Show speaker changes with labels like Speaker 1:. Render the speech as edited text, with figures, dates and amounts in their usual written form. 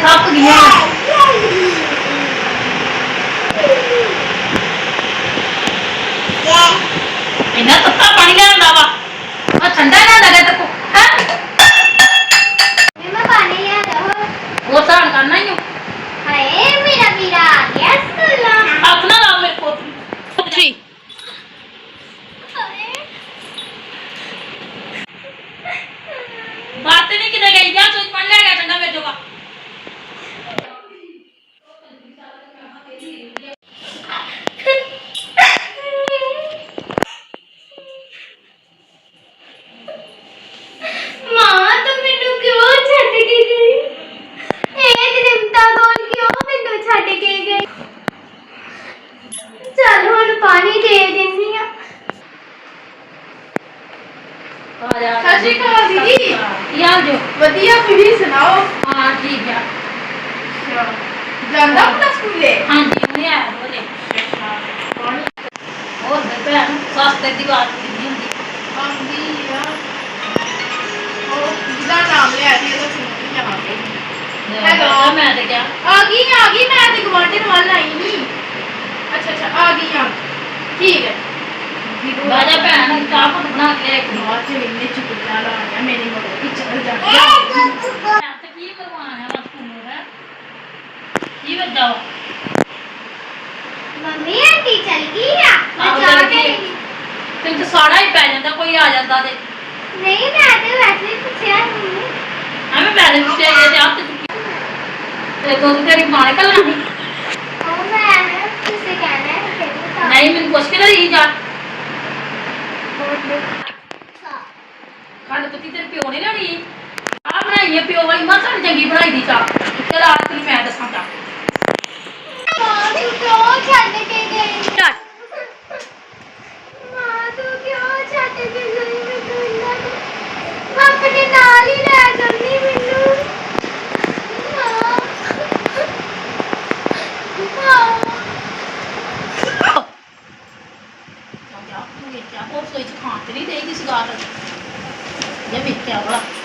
Speaker 1: थक गई इन्ना तत्ता पानी लिया वा ठंडा ना लगे तो वो सहन करना ही
Speaker 2: मेरा वीरा आ गया स्कूल
Speaker 1: अपना नाम मेरे पोतरी बात नहीं किधर गई जा सोच पढ़ लेगा ठंडा में जोगा
Speaker 2: पानी दे देनी दीदी
Speaker 1: यार जो
Speaker 2: वधिया तुसी सुनाओ
Speaker 1: हां ठीक है
Speaker 2: जांदा अपना स्कूल
Speaker 1: हां जी उन्हें आया बोले और बेटा सस्ते दी बात नहीं होती
Speaker 2: आंदी यार ओ जिदा नाम ले आती है तो सुन यहां पे हेलो
Speaker 1: मैं तो क्या
Speaker 2: आ गई मैं तो गवांडन वाला आई नहीं अच्छा आ गई ठीक है
Speaker 1: बाजा भैन चाह पत बना के एक
Speaker 2: बात से इन्ने चुटकुला लाया मेरी मदर की चल जा
Speaker 1: तो की करवाना है बस तुम है की बज जाओ
Speaker 2: मम्मी आंटी चल गई है
Speaker 1: मैं जा के तुम तो साड़ा ही पै जांदा कोई आ जांदा ते
Speaker 2: नहीं मैं तो वैसे ही पूछया नहीं
Speaker 1: हमें पहले पूछे ये आप ते तो तेरी मां ने कल नहीं
Speaker 2: ओ मैं तुझसे कहना है
Speaker 1: नहीं मैं पूछ के रही जा खंड पत्ती तेरे प्यो ने लेनी आ बनाई है प्यो वाली मां सारी चंगी बनाई दी चाह चल आज तेन मैं दसां चा
Speaker 2: तू क्यों छੱਡ के गई मां तू क्यों छੱਡ के गई मैं अपने नाल ही ले जानी मैनू
Speaker 1: और सोई च खान ते नहीं देगी किसी गाल ये वेख्या वाला